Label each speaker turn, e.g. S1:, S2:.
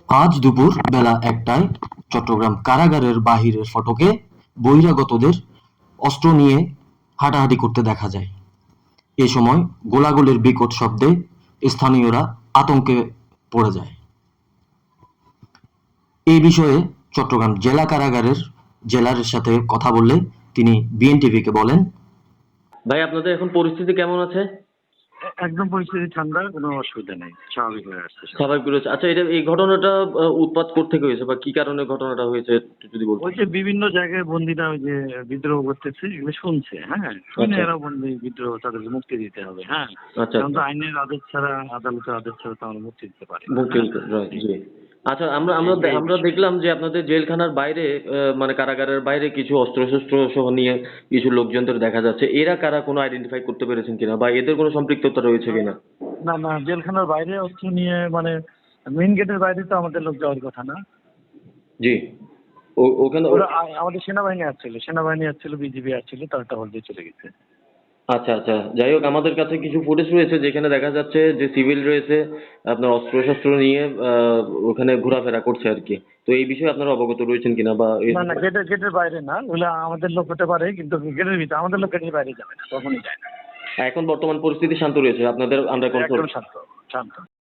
S1: আজ দুপুর বেলা ১টায় চট্টগ্রাম কারাগারের বাহিরের ফটকে বহিরাগতদের অস্ত্র নিয়ে হাঁটাহাঁটি করতে দেখা যায়। এ সময় গোলাগুলির বিকট শব্দে স্থানীয়রা আতঙ্কে পড়ে যায়। এই বিষয়ে চট্টগ্রাম জেলা কারাগারের জেলার সাথে কথা বললে তিনি বিএনটিভিকে বলেন,
S2: ভাই আপনাদের এখন পরিস্থিতি কেমন আছে?
S3: একদম পরিস্থিতি ঠান্ডা, কোনো অসুবিধা নেই, স্বাভাবিক হয়ে আসছে সব।
S2: স্বাভাবিক রয়েছে। আচ্ছা, এই ঘটনাটা উৎপাত কোত্থেকে হয়েছে বা কি কারণে ঘটনাটা হয়েছে একটু যদি
S3: ওই
S2: বলতেন।
S3: যে বিভিন্ন জায়গায় বন্দীরা ওই যে বিদ্রোহ করতেছে, এগুলো শুনছে, হ্যাঁ, শুনে
S2: আচ্ছা।
S3: এরা বন্দী বিদ্রোহ, তাদেরকে মুক্তি দিতে হবে, হ্যাঁ।
S2: আচ্ছা
S3: কারণ তো
S2: আচ্ছা।
S3: আইনের আদেশ ছাড়া, আদালতের আদেশ ছাড়া তো আমরা মুক্তি দিতে পারি না,
S2: মুক্তি
S3: হ্যাঁ।
S2: দিতে right, জি। আচ্ছা, আমরা আমরা
S3: এইটাই
S2: আমরা
S3: বিষয়।
S2: দেখলাম যে আপনাদের জেলখানার বাইরে মানে কারাগারের বাইরে কিছু অস্ত্রশস্ত্র সহ নিয়ে কিছু লোকজনদের দেখা যাচ্ছে। এরা কারা, কোনো আইডেন্টিফাই করতে পেরেছেন কিনা বা এদের কোনো সম্পৃক্ততা রয়েছে কিনা?
S3: না না, জেলখানার বাইরে অস্ত্র নিয়ে মানে মেইন গেটের বাইরে তো আমাদের লোক যাওয়ার কথা না।
S2: জি। ওখানে
S3: ওরা আমাদের সেনাবাহিনী আসছিল, বিজিবি আসছিল, তারা টহল দিয়ে চলে গেছে।
S2: আচ্ছা আচ্ছা, যাই হোক, আমাদের কাছে কিছু ফুটেজ রয়েছে যেখানে দেখা যাচ্ছে যে সিভিল রয়েছে আপনার অস্ত্রশস্ত্র নিয়ে ওখানে ঘোরাফেরা করছে আর কি। তো এই বিষয়ে আপনারা অবগত রয়েছেন কিনা বা
S3: না না, গেটের বাইরে না, ওগুলো আমাদের লোক হতে পারে, কিন্তু গেটের ভিতরে আমাদের লোক গেটের বাইরে যাবে না, কখনোই যায় না।
S2: এখন বর্তমান পরিস্থিতি শান্ত রয়েছে আপনাদের আন্ডার কন্ট্রোল?
S3: একদম শান্ত, শান্ত।